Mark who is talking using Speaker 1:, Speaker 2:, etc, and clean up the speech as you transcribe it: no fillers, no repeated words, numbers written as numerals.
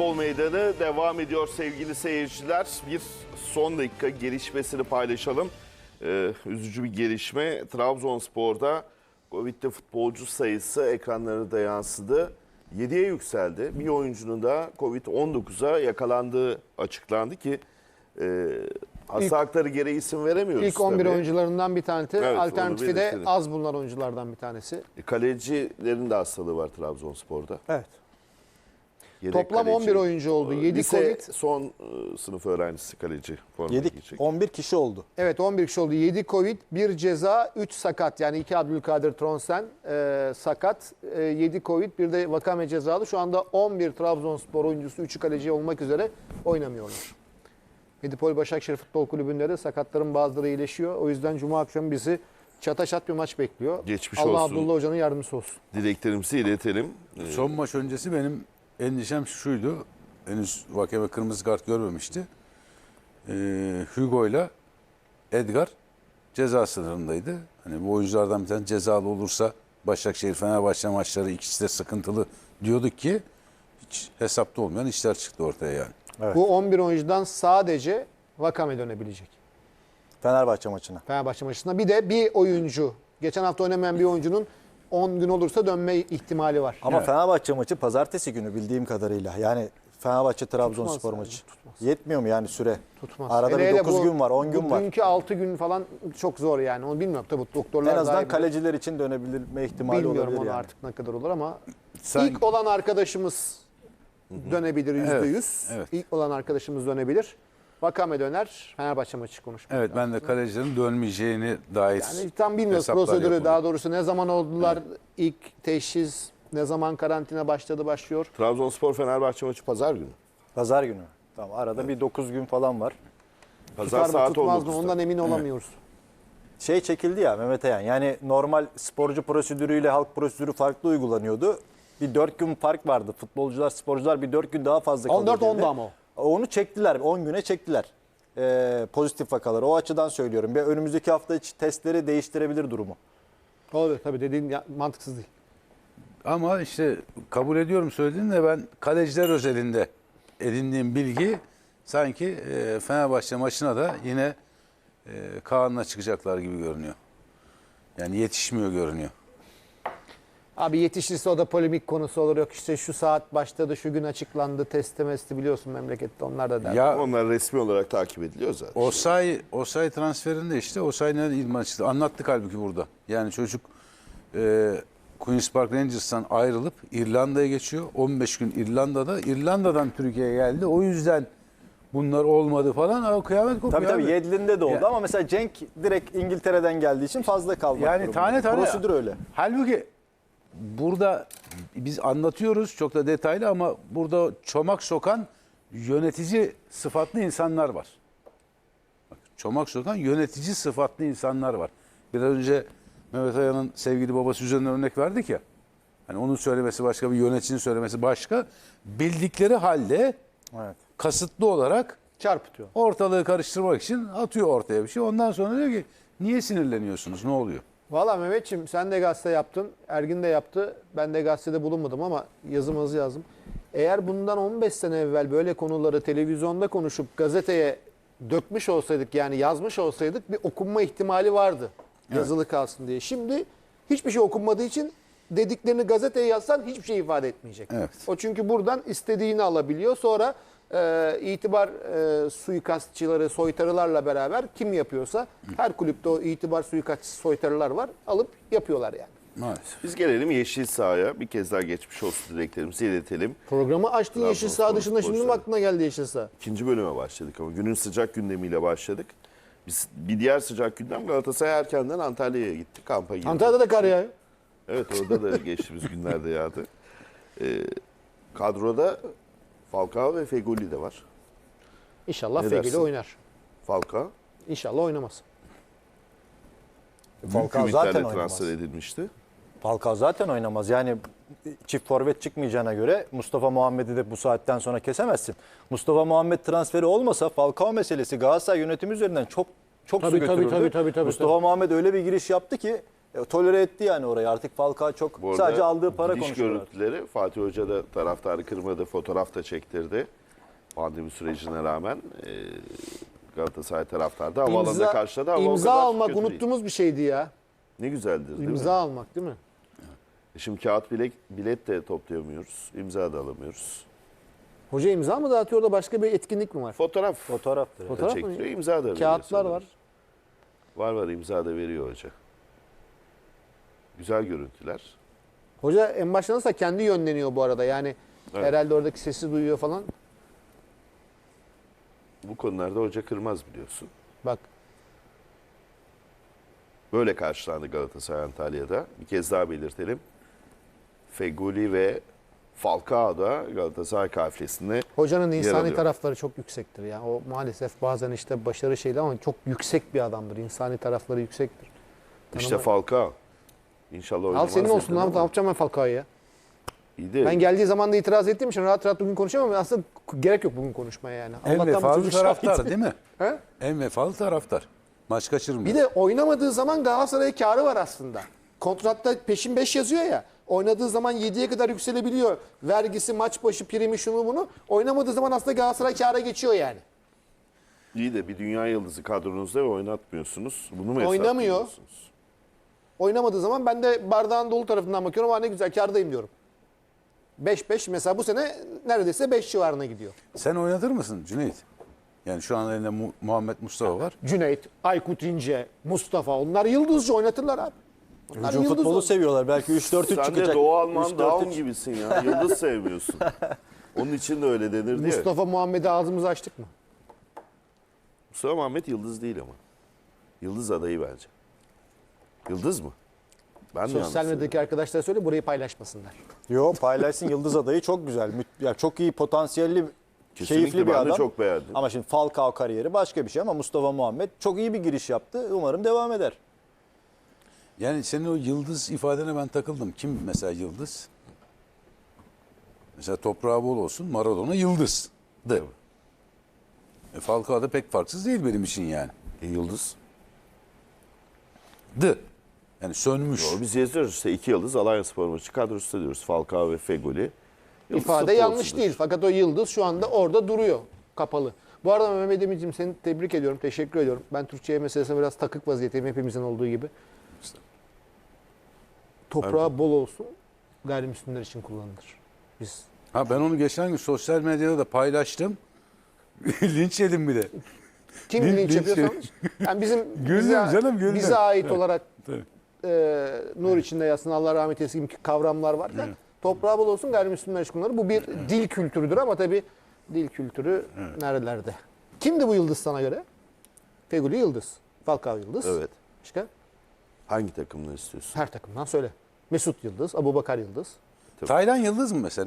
Speaker 1: Futbol Meydanı devam ediyor sevgili seyirciler. Bir son dakika gelişmesini paylaşalım. Üzücü bir gelişme. Trabzonspor'da Covid'de futbolcu sayısı ekranlara da yansıdı. 7'ye yükseldi. Bir oyuncunun da Covid-19'a yakalandığı açıklandı ki hasta hakları gereği isim veremiyoruz.
Speaker 2: İlk 11
Speaker 1: tabii.
Speaker 2: oyuncularından bir tanesi.
Speaker 1: Evet,
Speaker 2: Alternatifi de
Speaker 1: belirtelim.
Speaker 2: az bulunan oyunculardan bir tanesi.
Speaker 1: Kalecilerin de hastalığı var Trabzonspor'da.
Speaker 2: Evet.
Speaker 1: Yedek
Speaker 2: Toplam
Speaker 1: kaleci.
Speaker 2: 11 oyuncu oldu. 7
Speaker 1: Lise
Speaker 2: Covid.
Speaker 1: son sınıf öğrencisi kaleci forma
Speaker 3: 7,
Speaker 1: giyecek.
Speaker 3: 11 kişi oldu.
Speaker 2: Evet 11 kişi oldu. 7 Covid, 1 ceza, 3 sakat. Yani 2 Abdülkadir Tronsen sakat. 7 Covid, bir de Vakame cezalı. Şu anda 11 Trabzonspor oyuncusu, 3'ü kaleci olmak üzere oynamıyorlar. Medipol Başakşehir Futbol Kulübü'nde de sakatların bazıları iyileşiyor. O yüzden Cuma akşamı bizi çataşat bir maç bekliyor.
Speaker 1: Geçmiş
Speaker 2: Allah
Speaker 1: olsun.
Speaker 2: Abdullah Hoca'nın yardımcısı olsun.
Speaker 1: Dileklerimizi iletelim.
Speaker 4: Son maç öncesi benim endişem şuydu. Henüz Vakeme kırmızı kart görmemişti. Hugo ile Edgar ceza sınırındaydı. Hani bu oyunculardan bir tane cezalı olursa Başakşehir Fenerbahçe maçları ikisi de sıkıntılı diyorduk ki hiç hesapta olmayan işler çıktı ortaya yani.
Speaker 3: Evet.
Speaker 2: Bu 11 oyuncudan sadece Vakame dönebilecek.
Speaker 3: Fenerbahçe maçına.
Speaker 2: Fenerbahçe maçında. Bir de bir oyuncu, geçen hafta oynamayan bir oyuncunun 10 gün olursa dönme ihtimali var.
Speaker 3: Ama
Speaker 4: Evet.
Speaker 3: Fenerbahçe maçı pazartesi günü bildiğim kadarıyla. Yani Fenerbahçe Trabzonspor
Speaker 2: Tutmaz
Speaker 3: maçı.
Speaker 2: yani, tutmaz.
Speaker 3: Yetmiyor mu yani süre?
Speaker 2: Tutmaz.
Speaker 3: Arada
Speaker 2: Hele
Speaker 3: bir
Speaker 2: hele
Speaker 3: 9
Speaker 2: bu-
Speaker 3: gün var, 10 gün var.
Speaker 2: Bugünkü 6 gün falan çok zor yani. Onu bilmiyorum tabii doktorlar
Speaker 3: En azından
Speaker 2: daha iyi bilir.
Speaker 3: kaleciler için dönebilme ihtimali
Speaker 2: Bilmiyorum
Speaker 3: olabilir
Speaker 2: onu
Speaker 3: yani.
Speaker 2: artık ne kadar olur ama
Speaker 4: Sen-
Speaker 2: ilk olan arkadaşımız dönebilir %100.
Speaker 4: evet.
Speaker 2: İlk olan arkadaşımız dönebilir. Vakame döner. Fenerbahçe maçı konuşmak
Speaker 4: Evet ben de kalecilerin dönmeyeceğini dair
Speaker 2: Yani tam bilmiyoruz
Speaker 4: hesaplar
Speaker 2: prosedürü,
Speaker 4: yapıldı.
Speaker 2: daha doğrusu ne zaman oldular, ilk teşhis, ne zaman karantina başlıyor.
Speaker 1: Trabzonspor Fenerbahçe maçı pazar günü.
Speaker 3: Pazar günü. Tamam arada bir 9 gün falan var.
Speaker 1: Pazar
Speaker 2: Tutar mı
Speaker 1: saat
Speaker 2: tutmaz mı
Speaker 1: 19'da.
Speaker 2: ondan emin olamıyoruz.
Speaker 3: Şey çekildi ya Mehmet Ayan. Yani normal sporcu prosedürüyle halk prosedürü farklı uygulanıyordu. Bir 4 gün fark vardı. Futbolcular, sporcular bir 4 gün daha fazla kalıyor.
Speaker 2: 14
Speaker 3: dedi.
Speaker 2: 10'da ama o.
Speaker 3: Onu çektiler. 10 güne çektiler. Pozitif vakaları. O açıdan söylüyorum. Bir önümüzdeki hafta içi testleri değiştirebilir durumu.
Speaker 2: Olabilir tabii, dediğin mantıksız değil.
Speaker 4: Ama işte kabul ediyorum söylediğin de ben kaleciler özelinde edindiğim bilgi sanki Fenerbahçe maçına da yine Kaan'la çıkacaklar gibi görünüyor. Yani yetişmiyor görünüyor.
Speaker 2: Abi yetişirse o da polemik konusu olur. Yok işte şu saat başladı, şu gün açıklandı, testi biliyorsun memlekette, onlar da der.
Speaker 4: Ya
Speaker 1: Onlar resmi olarak takip ediliyor zaten.
Speaker 4: Osay transferinde işte Osay nerede idman çıktı? Anlattık halbuki burada. Yani çocuk Queen's Park Rangers'tan ayrılıp İrlanda'ya geçiyor. 15 gün İrlanda'dan Türkiye'ye geldi. O yüzden bunlar olmadı falan. O kıyamet kopuyor.
Speaker 3: Tabii tabii
Speaker 4: abi.
Speaker 3: Yedlin'de de oldu
Speaker 4: Ya-
Speaker 3: ama mesela Cenk direkt İngiltere'den geldiği için fazla kalmak
Speaker 4: Yani
Speaker 3: durumunda.
Speaker 4: tane tane.
Speaker 3: Prosedür öyle.
Speaker 4: Halbuki burada biz anlatıyoruz çok da detaylı ama burada çomak sokan yönetici sıfatlı insanlar var. Bak, çomak sokan yönetici sıfatlı insanlar var. Biraz önce Mehmet Ayan'ın sevgili babası üzerinden örnek verdik ya. Hani onun söylemesi başka, bir yöneticinin söylemesi başka. Bildikleri halde
Speaker 3: Evet.
Speaker 4: kasıtlı olarak
Speaker 2: Çarpıtıyor.
Speaker 4: ortalığı karıştırmak için atıyor ortaya bir şey. Ondan sonra diyor ki niye sinirleniyorsunuz, ne oluyor?
Speaker 2: Valla Mehmetciğim, sen de gazete yaptın, Ergin de yaptı. Ben de gazetede bulunmadım ama yazımızı yazdım. Eğer bundan 15 sene evvel böyle konuları televizyonda konuşup gazeteye dökmüş olsaydık, yani yazmış olsaydık, bir okunma ihtimali vardı. Yazılı kalsın diye. Şimdi hiçbir şey okunmadığı için dediklerini gazeteye yazsan hiçbir şey ifade etmeyecek.
Speaker 4: Evet.
Speaker 2: O çünkü buradan istediğini alabiliyor. Sonra itibar suikastçıları, soytarılarla beraber kim yapıyorsa, her kulüpte o itibar suikastçı soytarılar var, alıp yapıyorlar yani.
Speaker 4: Maalesef.
Speaker 1: Biz gelelim yeşil sahaya. Bir kez daha geçmiş olsun dileklerimizi iletelim.
Speaker 2: Programı açtın yeşil saha
Speaker 1: Trabzonspor
Speaker 2: dışında, şimdi mi
Speaker 1: sporcuları.
Speaker 2: aklına geldi yeşil saha?
Speaker 1: İkinci bölüme başladık ama günün sıcak gündemiyle başladık. Biz bir diğer sıcak gündem, Galatasaray erkenden Antalya'ya gitti. Kampa girdi.
Speaker 2: Antalya'da da kar yağıyor.
Speaker 1: Evet, orada da geçtiğimiz günlerde yağdı. Kadroda Falcao ve Fegoli de var.
Speaker 2: İnşallah
Speaker 1: Ne
Speaker 2: Fegüli
Speaker 1: dersin?
Speaker 2: oynar.
Speaker 1: Falcao
Speaker 2: İnşallah oynamaz.
Speaker 1: büyük
Speaker 3: Falcao
Speaker 1: ümitlerle
Speaker 3: zaten oynamaz.
Speaker 1: transfer edilmişti.
Speaker 3: Falcao zaten oynamaz. Yani çift forvet çıkmayacağına göre Mustafa Muhammed'i de bu saatten sonra kesemezsin. Mustafa Muhammed transferi olmasa Falcao meselesi Galatasaray yönetimi üzerinden çok su
Speaker 2: Tabii,
Speaker 3: götürürdü.
Speaker 2: tabii.
Speaker 3: Mustafa Muhammed öyle bir giriş yaptı ki Tolere etti yani orayı. Artık Falcao çok
Speaker 1: Bu arada
Speaker 3: sadece aldığı para
Speaker 1: gidiş
Speaker 3: konuşuyor.
Speaker 1: görüntüleri Fatih Hoca da taraftarı kırmadı, fotoğraf da çektirdi. Pandemi sürecine rağmen Galatasaray taraftarı da havaalanında karşıladı. Ama o
Speaker 2: imza
Speaker 1: kadar
Speaker 2: almak
Speaker 1: kötü değil.
Speaker 2: unuttuğumuz bir şeydi ya.
Speaker 1: Ne güzeldir değil
Speaker 2: İmza
Speaker 1: mi?
Speaker 2: almak değil mi?
Speaker 1: Şimdi kağıt bilet de toplayamıyoruz. İmza da alamıyoruz.
Speaker 2: Hoca imza mı dağıtıyor da başka bir etkinlik mi var?
Speaker 1: Fotoğraf
Speaker 3: Fotoğraftır.
Speaker 1: da
Speaker 2: Fotoğraf mı?
Speaker 1: çektiriyor, imza da veriyor.
Speaker 2: Kağıtlar
Speaker 1: sanırım.
Speaker 2: var.
Speaker 1: Var imza da veriyor hoca. Güzel görüntüler.
Speaker 2: Hoca en başta nasıl kendi yönleniyor bu arada. Yani
Speaker 1: Evet.
Speaker 2: herhalde oradaki sesi duyuyor falan.
Speaker 1: Bu konularda hoca kırmaz biliyorsun.
Speaker 2: Bak
Speaker 1: Böyle karşılandı Galatasaray Antalya'da. Bir kez daha belirtelim. Feguli ve Falcao da Galatasaray kafilesinde
Speaker 2: hocanın
Speaker 1: yer
Speaker 2: insani
Speaker 1: alıyor.
Speaker 2: tarafları çok yüksektir ya. O maalesef bazen işte başarı şeydi ama çok yüksek bir adamdır. İnsani tarafları yüksektir.
Speaker 1: İşte Falcao. İnşallah
Speaker 2: Al
Speaker 1: oynamaz.
Speaker 2: senin olsun
Speaker 1: dedim
Speaker 2: lan.
Speaker 1: ama
Speaker 2: Ne yapacağım ben Falcao'ya ya?
Speaker 1: İyi de
Speaker 2: Ben geldiği zaman da itiraz ettiğim için rahat rahat bugün konuşamam ama aslında gerek yok bugün konuşmaya yani.
Speaker 4: En
Speaker 2: bu
Speaker 4: vefalı
Speaker 2: çocuk şahit.
Speaker 4: taraftar değil mi?
Speaker 2: He?
Speaker 4: En vefalı taraftar. Maç kaçırmıyor.
Speaker 2: Bir de oynamadığı zaman Galatasaray'a karı var aslında. Kontratta peşin 5 yazıyor ya. Oynadığı zaman 7'ye kadar yükselebiliyor. Vergisi, maç başı, primi, şunu bunu. Oynamadığı zaman aslında Galatasaray kâra geçiyor yani.
Speaker 1: iyi de bir dünya yıldızı kadronuzda ve oynatmıyorsunuz. Bunu mu
Speaker 2: Oynamıyor.
Speaker 1: hesaplıyorsunuz?
Speaker 2: Oynamadığı zaman ben de bardağın dolu tarafından bakıyorum. Aa ne güzel kârdayım diyorum. 5-5 mesela bu sene neredeyse 5 civarına gidiyor.
Speaker 4: Sen oynatır mısın Cüneyt? Yani şu an elinde Muhammed Mustafa var.
Speaker 2: Cüneyt, Aykut İnce, Mustafa onlar yıldızcı oynatırlar abi. Onlar
Speaker 3: Hücum
Speaker 2: yıldız
Speaker 3: futbolu
Speaker 2: olur.
Speaker 3: seviyorlar. Belki 3-4-3
Speaker 1: Sen
Speaker 3: çıkacak.
Speaker 1: de Doğu Alman
Speaker 3: 3-4-3.
Speaker 1: Daum gibisin ya. Yıldız sevmiyorsun. Onun için de öyle denirdi ya.
Speaker 2: Mustafa Muhammed'e ağzımızı açtık mı?
Speaker 1: Mustafa Muhammed yıldız değil ama. Yıldız adayı bence. Yıldız mı? Ben mi yanlış
Speaker 2: Sosyal medyadaki
Speaker 1: söylüyorum?
Speaker 2: arkadaşlara söyle burayı paylaşmasınlar.
Speaker 3: Yo paylaşsın Yıldız adayı çok güzel. Ya çok iyi potansiyelli,
Speaker 1: Kesinlikle
Speaker 3: keyifli bir
Speaker 1: ben de
Speaker 3: adam.
Speaker 1: çok beğendim.
Speaker 3: Ama şimdi Falcao kariyeri başka bir şey ama Mustafa Muhammed çok iyi bir giriş yaptı. Umarım devam eder.
Speaker 4: Yani senin o yıldız ifadene ben takıldım. Kim mesela yıldız? Mesela toprağı bol olsun Maradona yıldızdı. Falcao da pek farksız değil benim için yani.
Speaker 1: Yıldız.
Speaker 4: Yani sönmüş.
Speaker 1: Doğru, biz yazıyoruz işte 2 yıldız Alanyaspor maçı kadrosu diyoruz. Falcao ve Fegoli. Yıldız
Speaker 2: İfade yanlış
Speaker 1: futbolcudur.
Speaker 2: değil fakat o yıldız şu anda orada duruyor kapalı. Bu arada Mehmet Emin'ciğim seni tebrik ediyorum, teşekkür ediyorum. Ben Türkçe meselesine biraz takık vaziyetteyim hepimizin olduğu gibi. Toprağı bol olsun, gayrimüslimler için kullanılır. Biz
Speaker 4: Ha ben onu geçen gün sosyal medyada da paylaştım. Linç yedim bir de.
Speaker 2: kim
Speaker 4: Linç-
Speaker 2: linç yapıyorsanız yani bizim
Speaker 4: Güldüm canım, güldüm.
Speaker 2: bize ait olarak
Speaker 4: Tabii.
Speaker 2: nur içinde yatsın Allah rahmet eylesin gibi kavramlar varken toprağı bol olsun gayrimüslimler için kullanılır. Bu bir dil kültürüdür ama tabii dil kültürü nerelerde? Kimdi bu yıldız sana göre? Feguli Yıldız, Falcao Yıldız.
Speaker 1: Evet.
Speaker 2: Başka?
Speaker 1: Hangi takımını istiyorsun?
Speaker 2: Her takımdan söyle. Mesut Yıldız, Abubakar Yıldız.
Speaker 4: Taylan yıldız mı mesela?